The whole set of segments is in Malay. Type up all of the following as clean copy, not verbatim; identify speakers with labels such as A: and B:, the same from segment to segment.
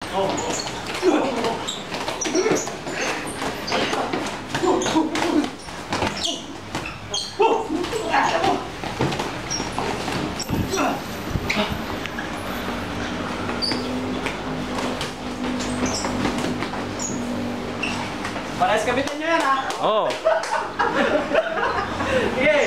A: Parehas kabitin nyo yan, ha?
B: Oo.
A: Sige.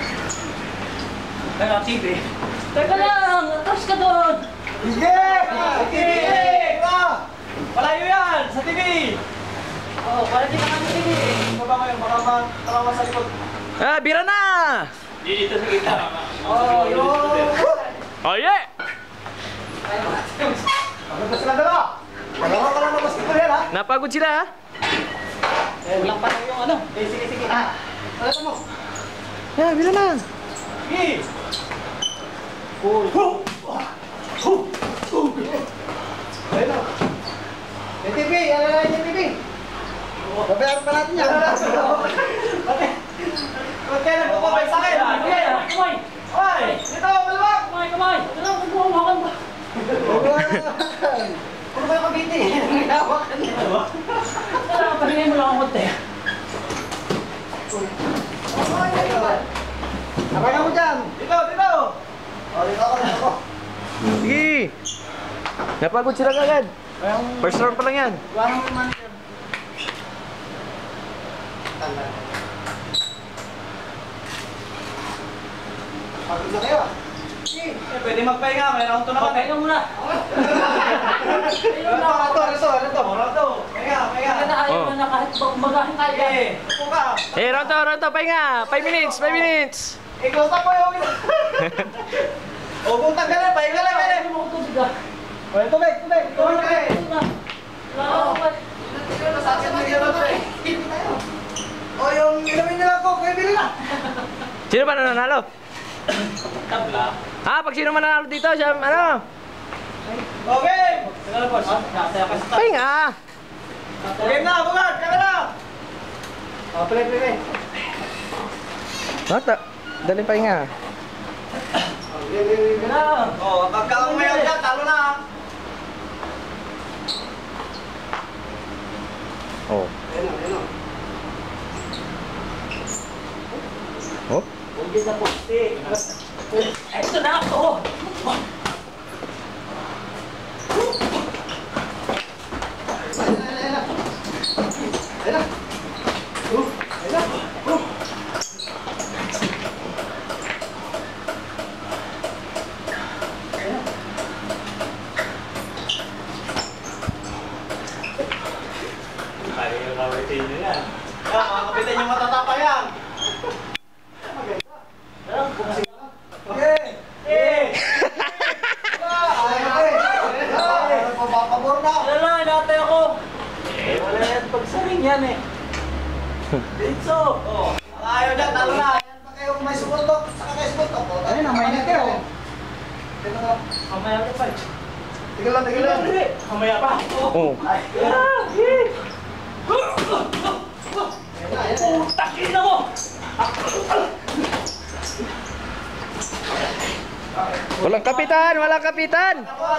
A: Ano, TV?
C: Teka lang! Atras ka doon!
A: Sige! Sa TV! Malayo yan! Sa TV!
C: Oo, para di naman TV.
A: Baba ngayon, baka matarawa sa likod.
B: Ah, bira na!
A: Dito sa kita. Oh, yun!
B: Oh, yeah!
A: Pagod na sila dala! Dalawa ka lang na basketball yan, ha?
B: Napagod sila, ha?
A: Walang pa lang yung ano. Sige, sige. Alata mo.
B: Ah, bira na!
A: Sige! Ayun na. Yung TV, ano na yung TV? Babayaran pa natin yan. Ba't kaya nagpapabay sa akin?
C: Kamay!
A: Ay! Dito, malawak!
C: Kamay! Kamay! Ito lang, magbuhawakan ba?
A: Ano ba yung kabiti? Nangyawakan niya.
C: Kailangan pahingayin mo lang ang konti.
A: Abay mo dyan! Dito, dito! O, dito ako.
B: Sige! Napagod sila kagad. First round pa lang yan.
A: Wala mo yung manager. Pagod na kayo. Sige, pwede magpahinga. May round 2 na kami.
C: Pahinga muna!
A: Ano to? Pahinga.
C: Kaya na ayaw na kahit magahin tayo.
A: Sige, upo ka.
B: Eh, round 2, pahinga! 5 minutes, 5 minutes!
A: I-close up mo yung o kung tanggalin, pahinga lang eh.
C: Ano mo tubig ah?
A: O, tubig ka eh.
C: Wala ka.
A: O, yung inumin nila ko, kaya bili na.
B: Sino ba nanalo?
C: Tabla.
B: Ha? Pag sino man nanalo dito, siya, ano?
A: Okay.
C: Teka boss. Nasaya ka sa
B: Pahinga!
A: Game na, bugat, kaya na. O, play.
B: Bata, dali pahinga.
A: Game na. O, pagka umayaw dyan, talo na.
B: Oh.
A: Ayun.
B: Oh?
A: Huwag na poste.
C: Ito na ako!
A: Mga kapitan yung matatapa yan. Papapabor na.
C: Wala lang, inatay ako!
A: Wala yan pagsaring yan eh. Dito. Ayaw dyan, talo na. Ayan pa kayo kung may sumuntok. Saka kayo sumuntok. Ayun, ang mainit kayo. Dito na.
C: Mamaya ka pa.
A: Tigil lang.
C: Mamaya pa.
B: Oh.
C: Takin na mo!
B: Walang kapitan! Walang kapitan!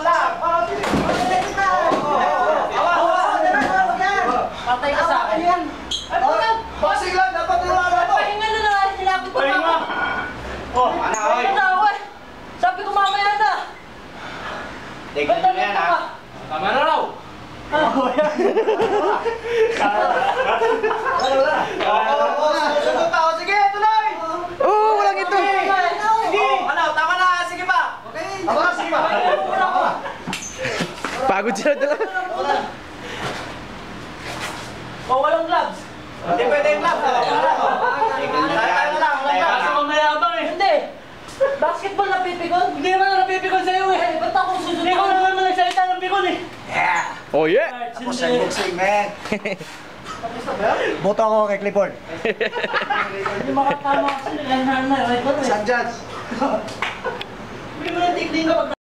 C: Patay ka sa akin yan!
A: Boxing lang, dapat tulungan na to.
C: Pahinga na na! Sinabi ko
A: Pahinga.
C: na! Pahinga na ako eh! Sabi ko mamaya na!
A: Tignan nyo yan ha.
C: Tama na raw!
A: Susunod ako. Sige, tuloy.
B: Oh, walang ito!
A: Sige. Ano, tama na. Sige pa. Tama na, sige pa.
B: Pagod sila dala.
C: O walang gloves!
A: Hindi pwede yung lap. Tayo na lang.
C: Kasi mamayabang eh! Hindi! Basketball napipikon? Hindi naman napipikon sa'yo eh! Ba't ako susunod? Hindi ko naman nagsalita ng pikon eh!
B: Oh, yeah!
A: Ako sa boxing, man. Boto ako kay Clifford.
C: Hindi makatama kasi nilanhan na.
A: San Judge.
C: Hindi mo na tignan ka